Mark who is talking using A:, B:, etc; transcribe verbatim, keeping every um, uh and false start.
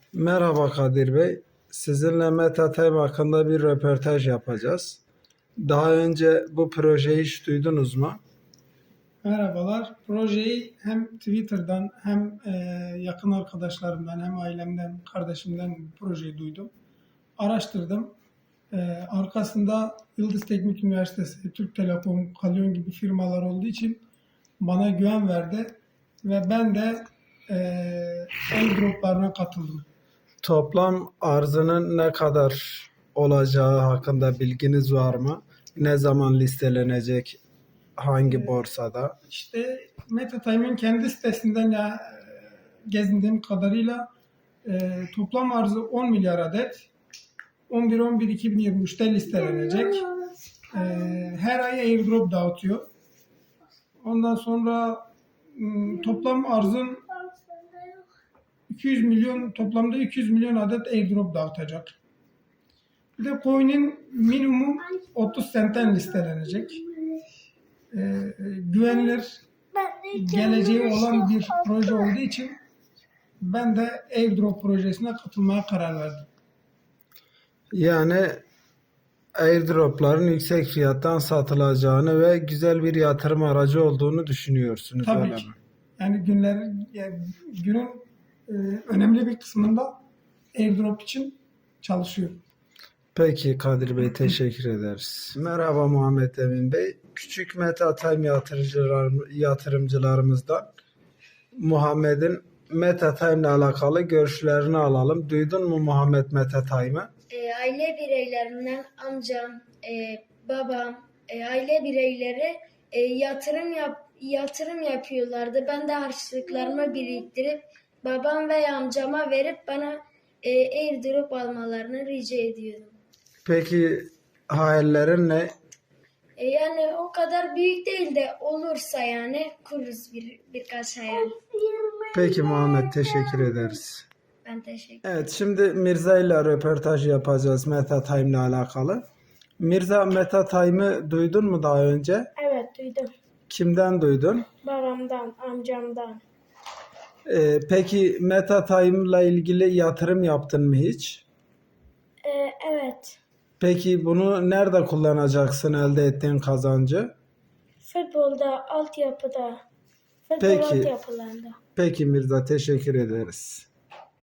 A: Merhaba Kadir Bey. Sizinle MetaTime hakkında bir röportaj yapacağız. Daha önce bu projeyi hiç duydunuz mu?
B: Merhabalar. Projeyi hem Twitter'dan hem e, yakın arkadaşlarımdan hem ailemden, kardeşimden bu projeyi duydum. Araştırdım. E, arkasında Yıldız Teknik Üniversitesi, Türk Telekom, Kalyon gibi firmalar olduğu için bana güven verdi ve ben de e, airdroplarına katıldım.
A: Toplam arzının ne kadar olacağı hakkında bilginiz var mı? Ne zaman listelenecek? Hangi borsada?
B: İşte MetaTime'in kendi sitesinden ya e, gezindiğim kadarıyla e, toplam arzı on milyar adet. on bir on bir iki bin yirmi üçte listelenecek. E, her ay airdrop dağıtıyor. Ondan sonra m, toplam arzın iki yüz milyon toplamda iki yüz milyon adet airdrop dağıtacak. Bir de coin'in minimum otuz sentten listelenecek. E, e, güvenilir, geleceği olan bir proje olduğu için ben de airdrop projesine katılmaya karar verdim.
A: Yani airdropların yüksek fiyattan satılacağını ve güzel bir yatırım aracı olduğunu düşünüyorsunuz,
B: Tabii
A: öyle
B: ki.
A: mi?
B: Yani günlerin yani günün e, önemli bir kısmında airdrop için çalışıyorum.
A: Peki Kadir Bey, teşekkür ederiz. Merhaba Muhammed Emin Bey. Küçük MetaTime yatırımcılar, yatırımcılarımızdan Muhammed'in MetaTime ile alakalı görüşlerini alalım. Duydun mu Muhammed MetaTime'ı?
C: E, aile bireylerimden amcam, e, babam, e, aile bireyleri e, yatırım yap yatırım yapıyorlardı. Ben de harçlıklarımı biriktirip babam veya amcama verip bana e, airdrop almalarını rica ediyordum.
A: Peki hayallerin ne?
C: E, yani o kadar büyük değil de olursa yani kururuz bir birkaç hayal.
A: Peki Muhammed, teşekkür ederiz.
C: Ben teşekkür
A: Evet, şimdi Mirza ile röportaj yapacağız MetaTime ile alakalı. Mirza, MetaTime'ı duydun mu daha önce?
D: Evet, duydum.
A: Kimden duydun?
D: Babamdan, amcamdan.
A: Ee, peki MetaTime ile ilgili yatırım yaptın mı hiç?
D: Ee, evet.
A: Peki bunu nerede kullanacaksın elde ettiğin kazancı?
D: Futbolda, altyapıda, futbol
A: Peki.
D: altyapılarında.
A: Peki Mirza, teşekkür ederiz.